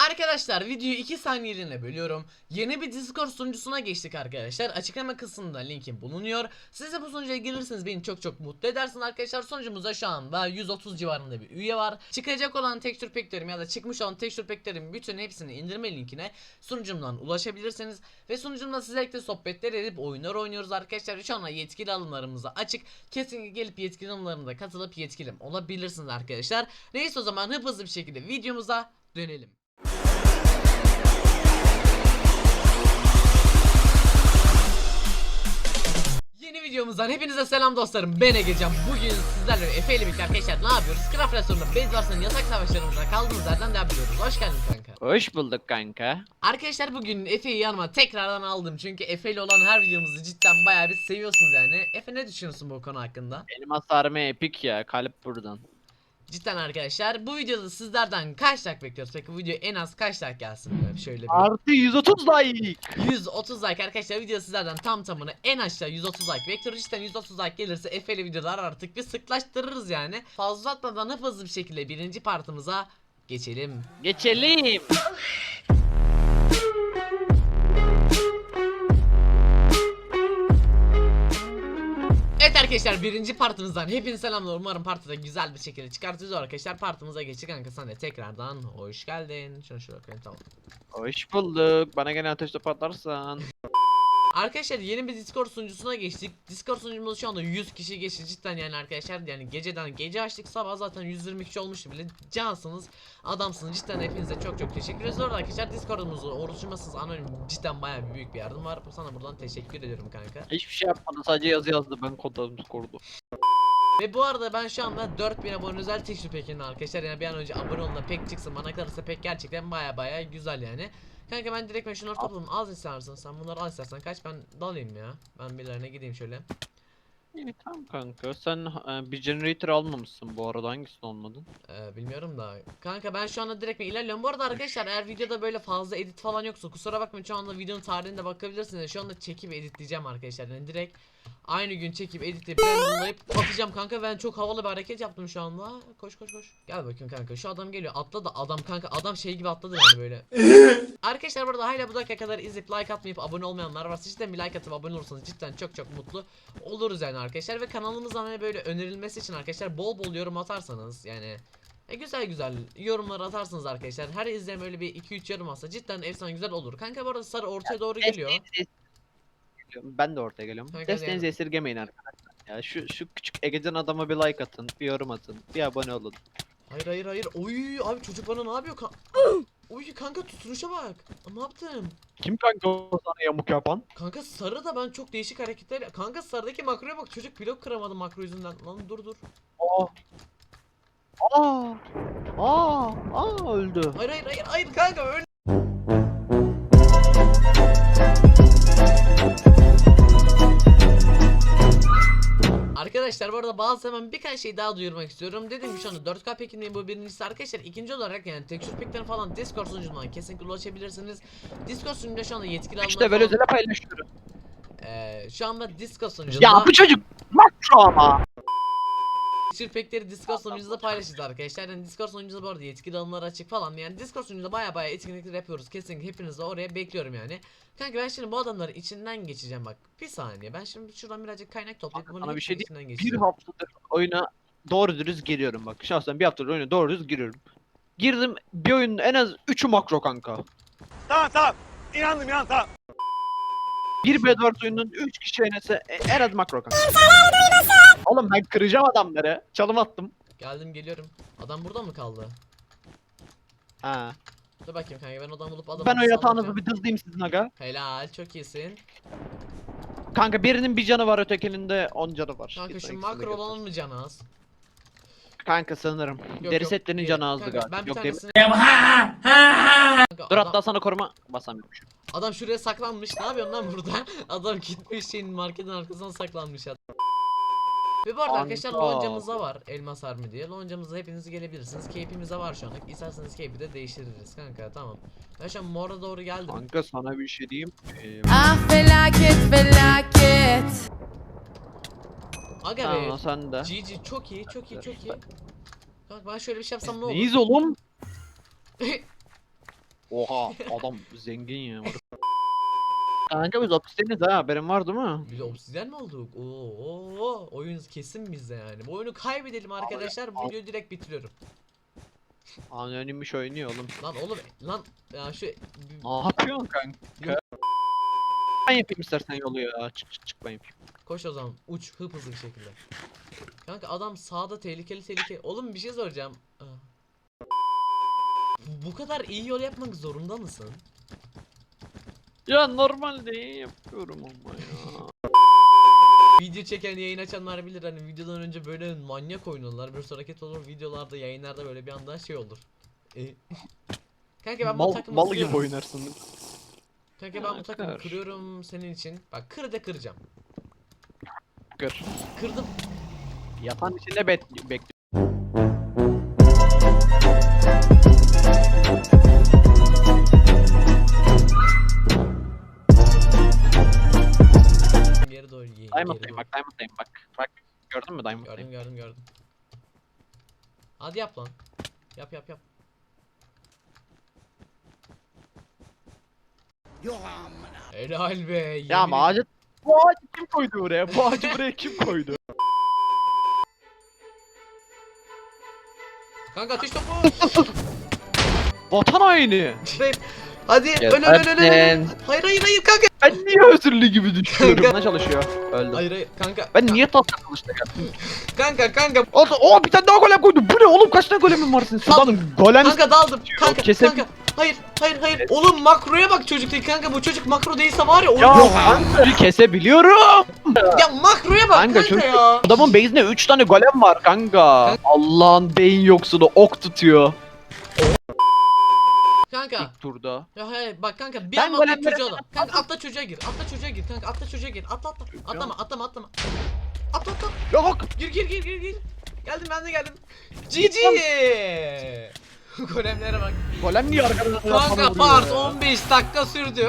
Arkadaşlar videoyu 2 saniyeliğine bölüyorum. Yeni bir Discord sunucusuna geçtik arkadaşlar. Açıklama kısmında linkim bulunuyor. Siz de bu sunucuya gelirseniz beni çok mutlu edersiniz arkadaşlar. Sunucumuzda şu anda 130 civarında bir üye var. Çıkacak olan texture pack'lerim ya da çıkmış olan texture pack'lerin bütün hepsini indirme linkine sunucumdan ulaşabilirsiniz. Ve sunucumda sizlerle sohbetler edip oyunlar oynuyoruz arkadaşlar. Şu anda yetkili alımlarımıza açık. Kesinlikle gelip yetkili alımlarımıza katılıp yetkilim olabilirsiniz arkadaşlar. Neyse o zaman hızlı bir şekilde videomuza dönelim. Yeni videomuzdan hepinize selam dostlarım, ben Egecan. Bugün sizlerle Efe ile birlikte arkadaşlar ne yapıyoruz? Craft restoranında Bedwars'ın yasak savaşlarımıza kaldığımız yerden devam ediyoruz. Hoş geldin kanka. Hoş bulduk kanka. Arkadaşlar bugün Efe'yi yanıma tekrardan aldım. Çünkü Efe ile olan her videomuzu cidden bayağı bir seviyorsunuz yani. Efe, ne düşünüyorsun bu konu hakkında? Elmas sarma epik ya, kalp buradan. Cidden arkadaşlar, bu videoda sizlerden kaç like bekliyoruz? Peki bu video en az kaç like gelsin? Böyle şöyle bir... Artı 130 like. 130 like arkadaşlar, video sizlerden tamını en aşağı 130 like bekliyoruz. İşte 130 like gelirse Efe'li videolar artık bir sıklaştırırız yani. Fazla atmadan hızlı bir şekilde birinci partımıza geçelim. Geçelim. Evet arkadaşlar, birinci partımızdan hepinize selamlar. Umarım partide güzel bir şekilde çıkartacağız arkadaşlar. Partımıza geçtik kanka, sen de tekrardan hoş geldin. Şunu koyayım, tamam. Hoş bulduk. Bana gene ateş topu atarsan. Arkadaşlar yeni bir Discord sunucusuna geçtik. Discord sunucumuzda şu anda 100 kişi geçti cidden yani arkadaşlar. Yani gece açtık, sabah zaten 120 kişi olmuştu bile. Cansınız, adamsınız cidden, hepinize çok teşekkür ederiz. Orada arkadaşlar Discord'umuzu oluşturmasınız anonim, cidden bayağı büyük bir yardım var. Sana buradan teşekkür ediyorum kanka. Hiçbir şey yapmadı, sadece yazı yazdı, ben kodladım Discord'u. Ve bu arada ben şu anda 4000 abone özel teşvik pekinin arkadaşlar. Yani bir an önce abone olun da pek çıksın, bana kalırsa pek gerçekten bayağı güzel yani. Kanka ben direkt şunları topladım. Az istersen sen bunları, al istersen kaç, ben dalayım ya. Ben birilerine gideyim şöyle. İyi tamam kanka, sen bir generator almamışsın bu arada, hangisini almadın? Bilmiyorum da. Kanka ben şu anda direkt ilerliyorum. Bu arada arkadaşlar, eğer videoda böyle fazla edit falan yoksa kusura bakmayın, şu anda videonun tarihine bakabilirsiniz. Şu anda çekip editleyeceğim arkadaşlar. Yani direkt aynı gün çekip editleyip randomlayıp atacağım kanka. Ben çok havalı bir hareket yaptım şu anda. Koş. Gel bakayım kanka. Şu adam geliyor. Atladı adam kanka. Adam şey gibi atladı yani böyle. Arkadaşlar burada hala bu dakika kadar izleyip like atmayıp abone olmayanlar varsa cidden bir like atıp abone olursanız cidden çok mutlu oluruz yani arkadaşlar. Ve kanalımızdan hani böyle önerilmesi için arkadaşlar bol yorum atarsanız yani güzel yorumlar atarsınız arkadaşlar. Her izleyen böyle bir 2-3 yorum atsa cidden efsane güzel olur. Kanka bu arada sarı ortaya doğru geliyor. Ben de ortaya geliyorum. Kanka Desteğinizi esirgemeyin arkadaşlar. Ya şu küçük Egecan adama bir like atın, bir yorum atın, bir abone olun. Hayır. Oy abi, çocuk bana ne yapıyor? Oy kanka, tutunuşa bak. Ne yaptım? Kim kanka o sana yamuk yapan? Kanka sarı da ben çok değişik hareketler. Kanka sarıdaki makroya bak, çocuk blok kıramadı makro yüzünden. Lan dur. Öldü. Hayır kanka, öyle. Arkadaşlar bu arada hemen birkaç şey daha duyurmak istiyorum. Dediğim gibi şu anda 4K pekindeyim, bu birincisi arkadaşlar. İkinci olarak yani texture pack'ten falan Discord sunucundan kesinlikle ulaşabilirsiniz. Discord sunucunda şu anda yetkili alımlar İşte böyle özele paylaşıyorum. şu anda Discord sunucunda Ya bu çocuk makro ama. texture pack'leri Discord sunucunuzda paylaşacağız arkadaşlar. Yani Discord sunucunuzda bu arada yetkili alımlar açık falan. Yani Discord sunucunuzda bayağı etkinlikler yapıyoruz. Kesinlikle hepinizi de oraya bekliyorum yani. Kanka ben şimdi bu adamları içinden geçeceğim bak. Bir saniye, ben şimdi şuradan birazcık kaynak toplayıp bunu Sana bir şey içinden diyeyim. geçeceğim. Bir haftadır oyuna doğru dürüst giriyorum bak. Şahsen bir haftadır oyuna doğru dürüst giriyorum. Girdim, bir oyunun en az 3'ü makro kanka. Tamam. İnandım tamam. Bir Bedwars oyunun 3 kişi oynasa en az makro kanka. Oğlum ben kıracağım adamları. Çalım attım. Geliyorum. Adam burada mı kaldı? Ha. Dur bakayım kanka, ben adam bulup adamı Ben o yatağınızı sallayacağım. bir dızlayayım sizin aga. Helal, çok iyisin. Kanka birinin bir canı var, ötekinin de 10 canı var. Kanka Bir şu ikisini makro götür. olan mı canı az? Kanka sanırım. Deri setlerinin değil. canı azdı Kanka, galiba. ben bir Yok değil mi? tanesini... Kanka, Dur adam, hatta sana koruma basamıyormuşum. adam şuraya saklanmış. Ne yapıyorsun lan burada? Adam gitmiş şeyin, marketin arkasına saklanmış adam. Ve bu arada arkadaşlar Kanka. loncamızda var elmas army diye. Loncamıza hepiniz gelebilirsiniz. Keyfimizde var şu anlık. İsterseniz keyfi de değiştiririz kanka, tamam. Ben şu an mora doğru geldim. Kanka sana bir şey diyeyim. Ah felaket. Aga Tamam be. sen de. GG, çok iyi. Kanka ben şöyle bir şey yapsam ne olur? Neyiz oğlum? Oha adam zengin ya. Kanka biz hapisteniz ha, haberin var değil mi? Biz obsidyen mi olduk? Oo, oyun kesin bizde yani. Bu oyunu kaybedelim arkadaşlar. Bu videoyu direkt bitiriyorum. Anonimmiş oynuyor oğlum. Lan oğlum lan ya şu Ne yapıyorsun kanka? Yok. Ben yapayım istersen yolu ya. Çık ben yapayım. koş o zaman uç hızlı bir şekilde. Kanka adam sağda tehlikeli. Oğlum bir şey soracağım. Bu kadar iyi yol yapmak zorunda mısın? Ya normalde iyi yapıyorum ama ya. Video çeken yayın açanlar bilir hani videodan önce böyle manyak oynuyorlar. Bir sürü hareket olur videolarda yayınlarda böyle bir anda şey olur. Kanka ben bu takımı Mal gibi kırıyorum. oynarsın. Kanka ben bu takımı Kır. kırıyorum senin için. Bak kıracağım. Kır. Kırdım. Yatan içinde bekliyor. Geri doğru Diamond'dayım bak, Diamond'dayım bak. Bak gördün mü Diamond'dayım? Gördüm. Hadi yap lan. Yap. Helal be. Ya yemin ama ağacı... Bu ağacı kim koydu buraya? Bu ağacı buraya kim koydu? Kanka ateş topu. Vatan haini. Hadi öl. Hayır kanka. Ben niye özürlü gibi düşüyorum? Kanka. Ne çalışıyor? Öldüm. Hayır kanka. Ben niye tahta kılıçla geldim? Kanka. O bir tane daha golem koydu. Bu ne oğlum, kaç tane golemin var senin? Sudan golem Kanka daldım. Kanka. Kesebil- Kanka. Hayır. Oğlum makroya bak çocuk değil kanka. Bu çocuk makro değilse var ya. ya kanka kesebiliyorum. Ya makroya bak kanka çünkü ya. adamın base'inde 3 tane golem var kanka. Allah'ın beyin yoksunu ok tutuyor. Kanka. İlk turda. Ya hayır bak kanka bir Ben anda atla golemlere çocuğa da. Kanka atla çocuğa gir. Kanka atla çocuğa gir. Atla. Atlama. Atla. Yok. Gir. Geldim ben de geldim. GG. Golemlere bak. Golem niye arkadan Kanka part 15 dakika sürdü.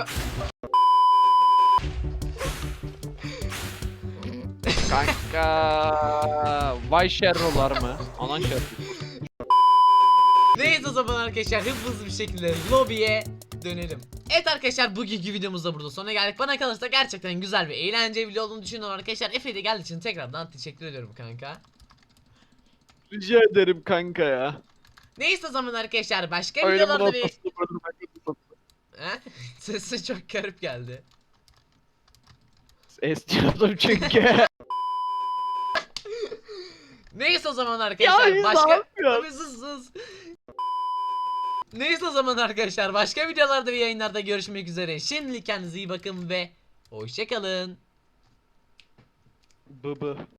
Kanka. Vay şerrolar mı? Anan şerro. Neyse o zaman arkadaşlar hızlı bir şekilde lobiye dönelim. Evet arkadaşlar bugünkü videomuzda burada sonuna geldik. Bana kalırsa gerçekten güzel ve eğlenceli video olduğunu düşünüyorum arkadaşlar. Efe'ye de geldiği için tekrardan teşekkür ediyorum kanka. Rica ederim kanka ya. Neyse o zaman arkadaşlar başka Oyunumun videolarda bir... ortasında bırakın. He? Sesi çok garip geldi. Esniyordum çünkü. Neyse o zaman arkadaşlar Ya, başka... ne yapıyorsun? Abi sus. Neyse o zaman arkadaşlar başka videolarda ve yayınlarda görüşmek üzere. Şimdilik kendinize iyi bakın ve hoşçakalın. Bıbı.